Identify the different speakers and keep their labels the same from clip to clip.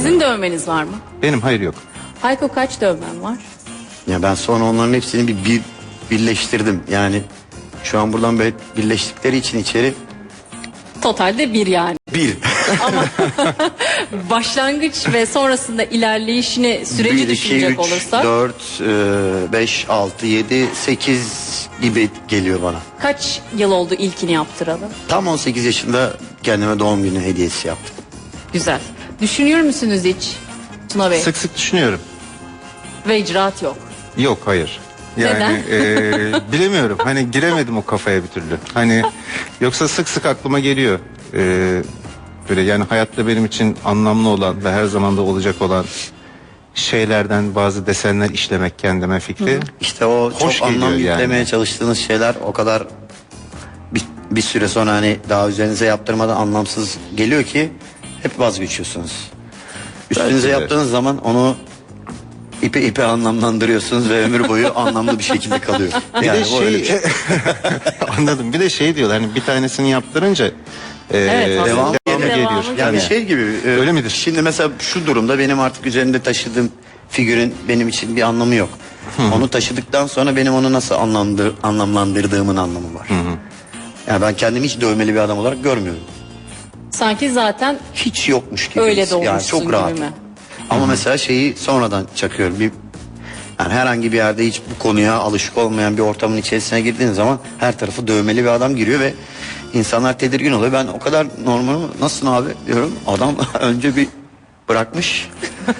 Speaker 1: Sizin dövmeniz var mı?
Speaker 2: Benim hayır yok.
Speaker 1: Hayko kaç dövmen var?
Speaker 3: Ya ben sonra onların hepsini bir birleştirdim. Yani şu an buradan böyle birleştikleri için içeri
Speaker 1: Totalde bir yani.
Speaker 3: bir.
Speaker 1: Ama başlangıç ve sonrasında ilerleyişini, süreci
Speaker 3: 1, 2,
Speaker 1: düşünecek
Speaker 3: 3,
Speaker 1: olursak
Speaker 3: 4, 5, 6, 7, 8 gibi geliyor bana.
Speaker 1: kaç yıl oldu ilkini yaptıralım?
Speaker 3: Tam 18 yaşında kendime doğum günü hediyesi yaptım.
Speaker 1: Güzel. Düşünüyor musunuz hiç Tuna Bey?
Speaker 2: Sık sık düşünüyorum.
Speaker 1: Ve icraat yok.
Speaker 2: Yok, hayır. Yani bilemiyorum. Hani giremedim o kafaya bir türlü. Hani yoksa sık sık aklıma geliyor. Böyle yani hayatta benim için anlamlı olan ve her zaman da olacak olan şeylerden bazı desenler işlemek kendime fikri.
Speaker 3: İşte o
Speaker 2: Hoş
Speaker 3: çok anlam
Speaker 2: geliyor yani.
Speaker 3: yüklemeye çalıştığınız şeyler o kadar bir süre sonra hani daha üzerinize yaptırmadan anlamsız geliyor ki hep vazgeçiyorsunuz. Üstünüze
Speaker 2: Belki de.
Speaker 3: yaptığınız zaman onu ipe anlamlandırıyorsunuz ve ömür boyu anlamlı bir şekilde kalıyor.
Speaker 2: Bir
Speaker 3: Yani
Speaker 2: de
Speaker 3: o öyle bir şey.
Speaker 2: anladım. Bir de şey diyorlar hani bir tanesini yaptırınca
Speaker 1: Evet, aslında
Speaker 3: devamı
Speaker 1: devamı
Speaker 2: geliyor.
Speaker 1: geliyor.
Speaker 3: Yani
Speaker 2: Yani
Speaker 3: şey gibi.
Speaker 2: öyle midir?
Speaker 3: Şimdi mesela şu durumda benim artık üzerinde taşıdığım figürün benim için bir anlamı yok. Onu taşıdıktan sonra benim onu nasıl anlamlandırdığımın anlamı var. Yani ben kendimi hiç dövmeli bir adam olarak görmüyorum.
Speaker 1: Sanki zaten
Speaker 3: Hiç yokmuş gibi.
Speaker 1: öyle
Speaker 3: Yani
Speaker 1: doğmuşsun
Speaker 3: çok rahat.
Speaker 1: gibi mi?
Speaker 3: Ama mesela şeyi sonradan çakıyorum. Yani herhangi bir yerde hiç bu konuya alışık olmayan bir ortamın içerisine girdiğin zaman her tarafı dövmeli bir adam giriyor ve insanlar tedirgin oluyor. Ben o kadar normal nasılsın abi diyorum. Adam önce bir bırakmış.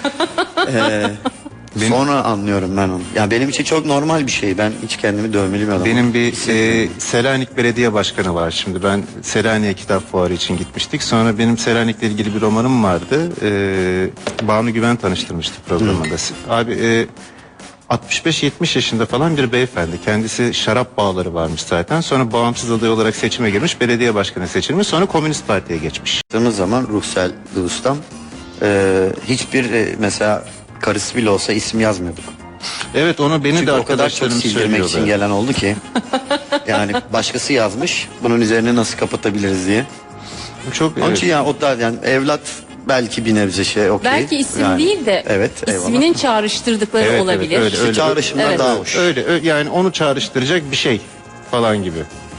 Speaker 3: Sonra anlıyorum ben onu. Yani benim için çok normal bir şey. Ben hiç kendimi dövmeli bir adam.
Speaker 2: benim bir Selanik Belediye Başkanı var şimdi. Ben Selanik'e kitap fuarı için gitmiştik. Sonra benim Selanik'le ilgili bir romanım vardı. Banu Güven tanıştırmıştı programında. Abi 65-70 yaşında falan bir beyefendi. Kendisi şarap bağları varmış zaten. Sonra bağımsız aday olarak seçime girmiş. Belediye başkanı seçilmiş. Sonra Komünist Parti'ye geçmiş.
Speaker 3: Baktığımız zaman Ruhsel Ustam hiçbir mesela karısı bile olsa isim yazmıyorduk.
Speaker 2: Evet, onu beni
Speaker 3: Çünkü
Speaker 2: de
Speaker 3: o kadar çok
Speaker 2: arkadaşlarım
Speaker 3: sildirmek için
Speaker 2: söylüyorlar.
Speaker 3: gelen oldu ki. Yani başkası yazmış. Bunun üzerine nasıl kapatabiliriz diye.
Speaker 2: Çok
Speaker 3: Onun için yani o da yani evlat belki bir nebze şey okey.
Speaker 1: Belki isim
Speaker 3: Yani,
Speaker 1: değil de
Speaker 3: evet, eyvallah.
Speaker 1: isminin çağrıştırdıkları
Speaker 2: Evet,
Speaker 1: olabilir.
Speaker 2: evet, öyle,
Speaker 3: İşte çağrışımlar
Speaker 1: Evet.
Speaker 3: daha hoş.
Speaker 2: öyle yani onu çağrıştıracak bir şey falan gibi.